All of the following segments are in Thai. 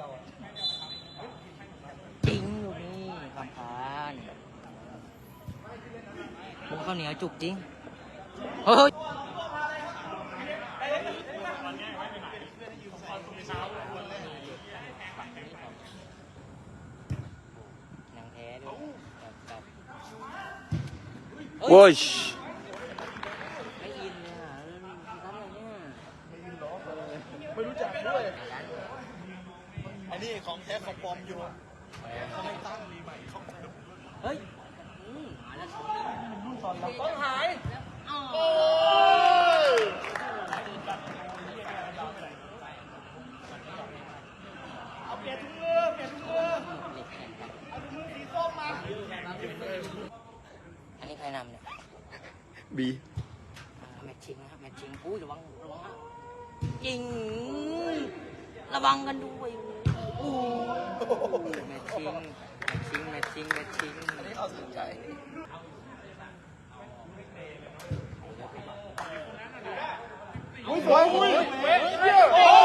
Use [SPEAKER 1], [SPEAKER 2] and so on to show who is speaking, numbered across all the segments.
[SPEAKER 1] จริงอยู่นี่คำพานมุกข้าวเหนียวจุกจริงเฮ้ยหนังแท้ด้วย
[SPEAKER 2] โว้ย
[SPEAKER 1] ไม่ยินเลยอ่ะทำอะไรเนี่ย
[SPEAKER 3] ไม่รู้จักด้วยอันนี้ของแท้ของปลอมอยู่เขาไม่ตั้งรีใหม่เขา
[SPEAKER 1] เฮ้ยมาแล้ว
[SPEAKER 3] ต้องหายโอ้ยเอาเปลี่ยนถุงมือเอาถุงมือสีส้มมา
[SPEAKER 1] อันนี้ใครนำเนี่ย
[SPEAKER 2] บี
[SPEAKER 1] แมทชิงนะครับแมทชิงอุ้ยระวังฮะยิงระวังกันด้วยโอ้แมทชิง
[SPEAKER 3] อันนี้เขาสนใจอุ้ยสวยอุ้ยโอ้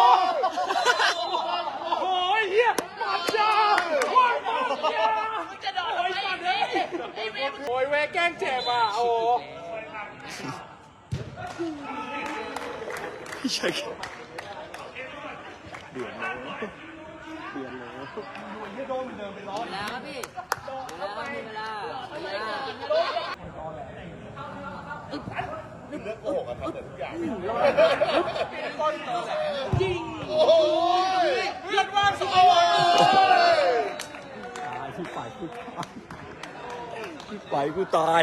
[SPEAKER 3] โหเฮียมาจ้าโอ้ยจะโดนโอ้ยสัตว์เลยโอ้ยเวแกล้งเจ็บอ่ะโอ้
[SPEAKER 2] พี่ชายเดือดแล้ว
[SPEAKER 3] ไม่โดนเหมือนเดิมไปร้อน
[SPEAKER 1] แล้วครับพี่แล้วมีเวลา
[SPEAKER 3] เลือกโกหกอะทำแต่ทุกอย่างจริงโอ้ยเลือดว่างสวย
[SPEAKER 2] ตายพี่ไปกูตาย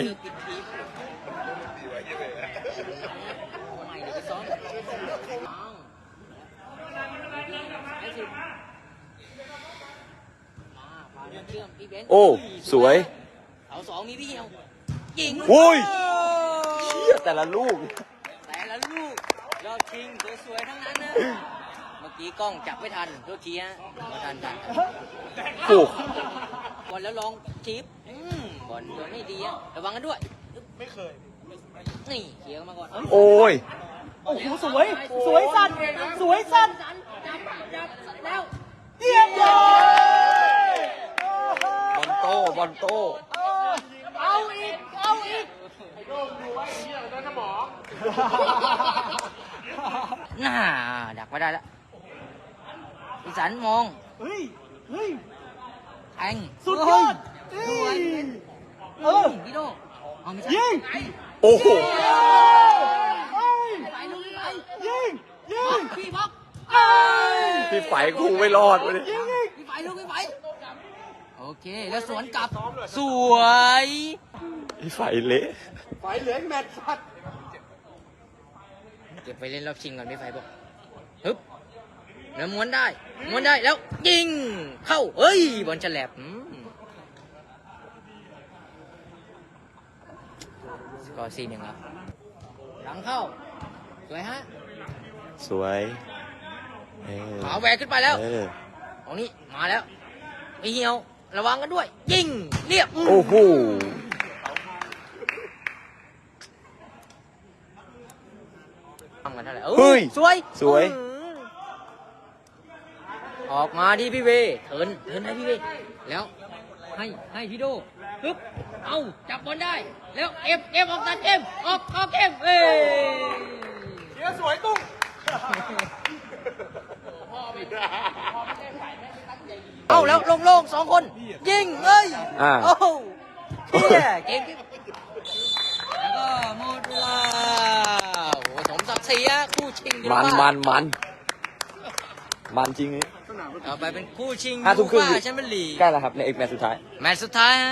[SPEAKER 2] โอ้สวย
[SPEAKER 1] เสาสองมีพี่เหี่ยวยิง
[SPEAKER 2] โอ้ยเชี่ยแต่ละลูก
[SPEAKER 1] ยอดชิงสวยๆทั้งนั้นนะเมื่อกี้กล้องจับไม่ทันโทษทีฮะไม่ทัน
[SPEAKER 2] โอ้
[SPEAKER 1] บอลแล้วลองชิปบอลโดนไม่ดีอะระวังกันด้วย
[SPEAKER 3] ไม่เคย
[SPEAKER 1] นี่เขียวมาก่อน
[SPEAKER 2] โอ้ย
[SPEAKER 1] โอ้โหสวยสั้นจับแล้ว
[SPEAKER 3] เยี่ยมเลย
[SPEAKER 2] บอลโต้
[SPEAKER 3] เอาอีกไอ้โดมดูไว้เหี้ยโดนสมอง
[SPEAKER 1] น่าดักไม่ได้แล้วอีสันมอง
[SPEAKER 3] เฮ้ย
[SPEAKER 1] แทง
[SPEAKER 3] สุดยอด
[SPEAKER 1] พี่โดเอาไม่ใช่
[SPEAKER 3] ยิง
[SPEAKER 2] โอ้โห
[SPEAKER 1] ไปลูกไป
[SPEAKER 3] ยิง
[SPEAKER 1] พี่บอก
[SPEAKER 2] พี่ไฝคงไม่รอดวะเนี่ย
[SPEAKER 1] พี่ไฟโอเคแล้วสวนกลับสวย
[SPEAKER 2] พี่ไฝเละ
[SPEAKER 3] ไฟเหลืองแมตช์สัตว์
[SPEAKER 1] เก็บไปเล่นรอบชิงก่อนพี่ไฟบอกฮึบแล้วม้วนได้แล้วยิงเข้าเฮ้ยบอลฉลับสกอร์4-1แล้วหลังเข้าสวยฮะ
[SPEAKER 2] สวย
[SPEAKER 1] ขาแหวกขึ้นไปแล้วตรงนี้มาแล้วไอเหี่ยวระวังกันด้วยยิงเรียบ
[SPEAKER 2] โอ้โห
[SPEAKER 1] ทำกันเท่าไหร่สวยออกมาที่พี่เวเถินให้พี่เวแล้วให้พี่โดปึ๊บเอาจับบอลได้แล้วเอฟออกตัดออกเอ
[SPEAKER 3] เดี๋ยวสวยตุ้ง
[SPEAKER 1] เอาแล้วโล่ง2 คนยิงเอ้ยโอ้เฮียเกมแล้วก็หมดเวลาโอ้สมศักดิ์ศรีคู่ชิง
[SPEAKER 2] มันจริงนี่
[SPEAKER 1] เอาไปเป็นคู่ชิง
[SPEAKER 2] 5 ทุ่มครึ่ง
[SPEAKER 1] แชมเปี้ยนลีก
[SPEAKER 2] ใกล้แล้วครับในอีกแมตช์สุดท้าย